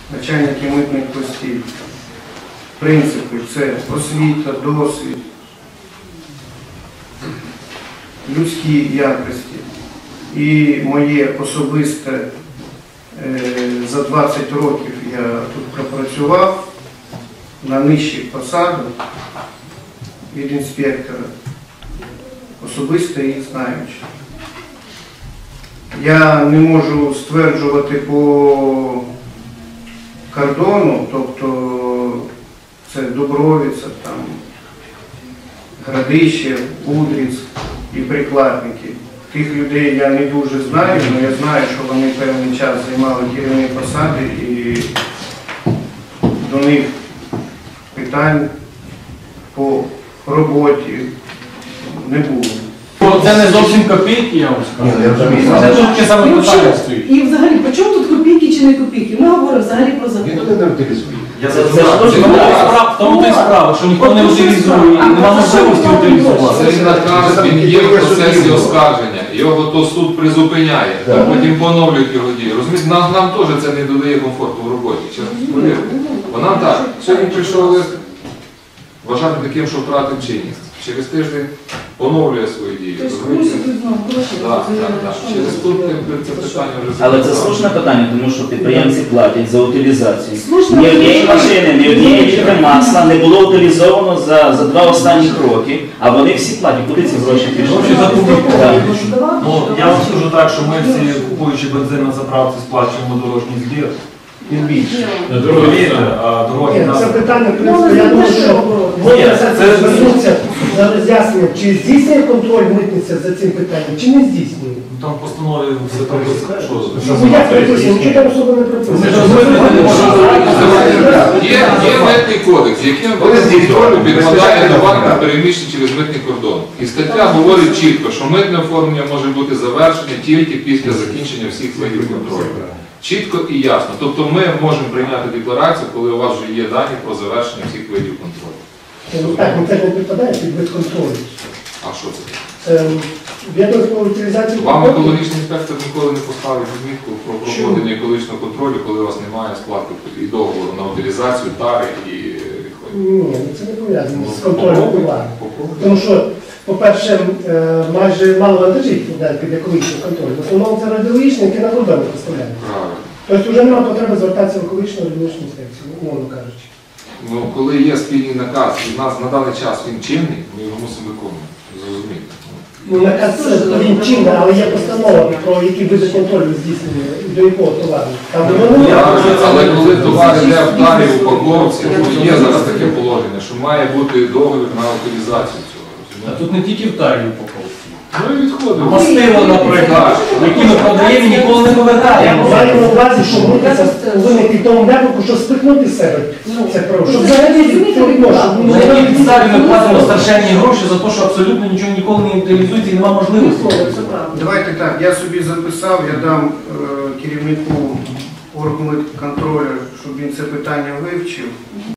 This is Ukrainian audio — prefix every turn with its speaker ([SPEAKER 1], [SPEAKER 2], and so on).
[SPEAKER 1] начальники митних постів. Принципи – це освіта, досвід, людські якості. І моє особисте, за 20 років я тут пропрацював на нижчих посадах від інспектора, особисто їх знаючи. Я не можу стверджувати по кордону, тобто це Дубровиця, там, Градище, Удрицьк і Прикладники. Тих людей я не дуже знаю, але я знаю, що вони певний час займали керівні посади і до них питань по роботі не було.
[SPEAKER 2] Це не зовсім копійки, я вам скажу. Це тільки саме питання стоїть.
[SPEAKER 3] І взагалі, по чому тут копійки чи не копійки? Ми говоримо взагалі про закон.
[SPEAKER 4] Ніхто не утилізує.
[SPEAKER 2] В тому то й справа, що ніхто не утилізує, і нема можливості утилізувати.
[SPEAKER 5] Цей наказ, він є в процесі оскарження, його то суд призупиняє, потім поновлюють його дії. Розумієте, нам теж це не додає комфорту в роботі. Бо нам так, сьогодні прийшов лист, вважати таким, що втратив чинність. Через тиждень поновлює свої дії. Через пункти це питання вже...
[SPEAKER 6] Але це слушне питання, тому що підприємці платять за утилізацію. Ні однієї машини, ні однієї літри масла не було утилізовано за 2 останні роки, а вони всі платять. Куди ці гроші пішли?
[SPEAKER 2] Я вам скажу так, що ми всі, купуючи бензин на заправці, сплачуємо дорожній збір.
[SPEAKER 1] Тим більше.
[SPEAKER 7] Це питання, в принципі, я думаю, що можна звернутися на роз'яснення, чи здійснює контроль митниця за цим питанням, чи не здійснює.
[SPEAKER 2] Там в постанові все там
[SPEAKER 7] Ну як приписано, нічого там особо не приписано.
[SPEAKER 5] Є митний кодекс, яким контролю підпадає товар, переміщений через митний кордон. І стаття говорить чітко, що митне оформлення може бути завершене тільки після закінчення всіх видів контролю. Чітко і ясно. Тобто ми можемо прийняти декларацію, коли у вас вже є дані про завершення всіх видів контролю.
[SPEAKER 7] Так, це не підпадає під вид контролю.
[SPEAKER 5] А що це?
[SPEAKER 7] Відомство про утилізацію...
[SPEAKER 5] Вам екологічний інспектор ніколи не поставить відмітку про проведення екологічного контролю, коли у вас немає складки і договору на утилізацію, тари і відходів.
[SPEAKER 7] Ні, це не пов'язано з контролем товару. Тому що, по-перше, майже мало вантажів під екологічним контролем. В основному це радіологічні, які на кордоні поставляють.
[SPEAKER 5] Правильно.
[SPEAKER 7] Тобто вже немає потреби звертатися в екологічну радіологічну інспекцію, умовно кажучи.
[SPEAKER 5] Ну, коли є спільний наказ, і в нас на даний час він чинний, ми його мусимо виконувати. Зрозуміти.
[SPEAKER 7] Ну, наказ він чинний, але є постанова, про які види контролю здійснені, до якого товару.
[SPEAKER 5] Але коли товар йде в тарі, в упаковці, є зараз таке положення, що має бути договір на утилізацію цього.
[SPEAKER 2] А тут не тільки в тарі упаковці.
[SPEAKER 5] Ну і відходи.
[SPEAKER 2] Мастило, наприклад, які ми продаємо і ніколи не повертаємо.
[SPEAKER 7] Маю на увазі, що митниця повинна в тому напрямку, щоб спихнути з себе це право. Щоб взагалі
[SPEAKER 2] На якій підставі ми платимо страшенні гроші за те, що абсолютно нічого ніколи не утилізується і немає можливості.
[SPEAKER 1] Давайте так, я собі записав, я дам керівнику органу контролю, щоб він це питання вивчив.